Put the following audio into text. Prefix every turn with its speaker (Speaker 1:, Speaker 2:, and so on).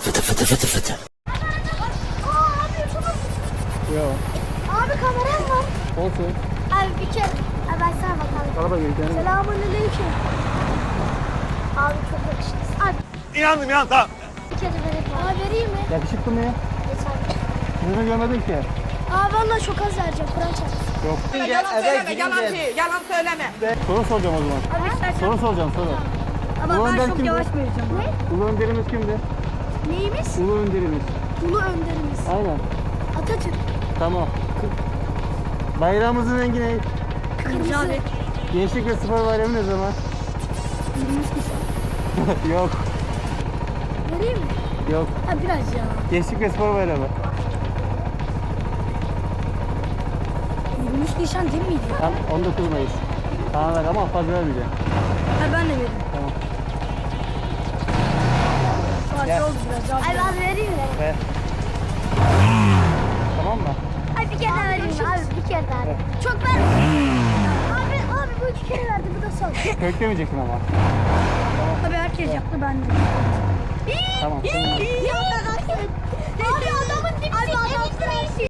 Speaker 1: Yok.
Speaker 2: Abi kameram var.
Speaker 1: Olsun.
Speaker 2: Abi bir kere. Abi ben sana bakalım.
Speaker 1: Araba geldi.
Speaker 2: Selamünaleyküm. Abi çok yakışıklısın. Abi
Speaker 3: İnandım ya tamam.
Speaker 2: bir kere vereyim. Abi vereyim mi?
Speaker 1: Yakışıklı mı ya?
Speaker 2: Geç abi.
Speaker 1: Yüzünü görmedim ki.
Speaker 2: Abi valla çok az vereceğim. Kur'an çarpsın.
Speaker 1: Yok.
Speaker 4: Yalan söyleme, yalan değil, yalan söyleme.
Speaker 1: Soru soracağım o zaman.
Speaker 2: Abi istersen.
Speaker 1: Soru soracağım soru.
Speaker 2: Ama
Speaker 1: Ulu
Speaker 2: ben
Speaker 1: Önder
Speaker 2: çok
Speaker 1: kimdi?
Speaker 2: yavaş vereceğim. Ne?
Speaker 1: Ulu önderimiz kimdi?
Speaker 2: Neyimiz?
Speaker 1: Ulu önderimiz.
Speaker 2: Ulu önderimiz.
Speaker 1: Aynen.
Speaker 2: Atatürk.
Speaker 1: Tamam. Bayrağımızın rengi ne?
Speaker 2: Kırmızı abi.
Speaker 1: Gençlik ve Spor Bayramı ne zaman?
Speaker 2: 23 Nisan.
Speaker 1: Yok.
Speaker 2: Vereyim mi?
Speaker 1: Yok.
Speaker 2: Ha biraz ya.
Speaker 1: Gençlik ve Spor Bayramı.
Speaker 2: 23 Nisan değil miydi?
Speaker 1: Tam 19 Mayıs. Tamam ver ama fazla vermeyeceğim.
Speaker 2: Ha ben de veririm.
Speaker 1: Tamam.
Speaker 2: Parça oldu biraz. Ay ben vereyim mi?
Speaker 1: Ver. Tamam mı?
Speaker 2: Ay bir kere daha vereyim mi? Abi bir kere daha.
Speaker 1: Evet.
Speaker 2: Çok ver. Abi bu 2 kere verdi bu da son.
Speaker 1: Köklemeyeceksin ama.
Speaker 2: Tabii herkes yaptı ben de.
Speaker 1: Tamam.
Speaker 2: Abi adamın dipsi. Abi adamın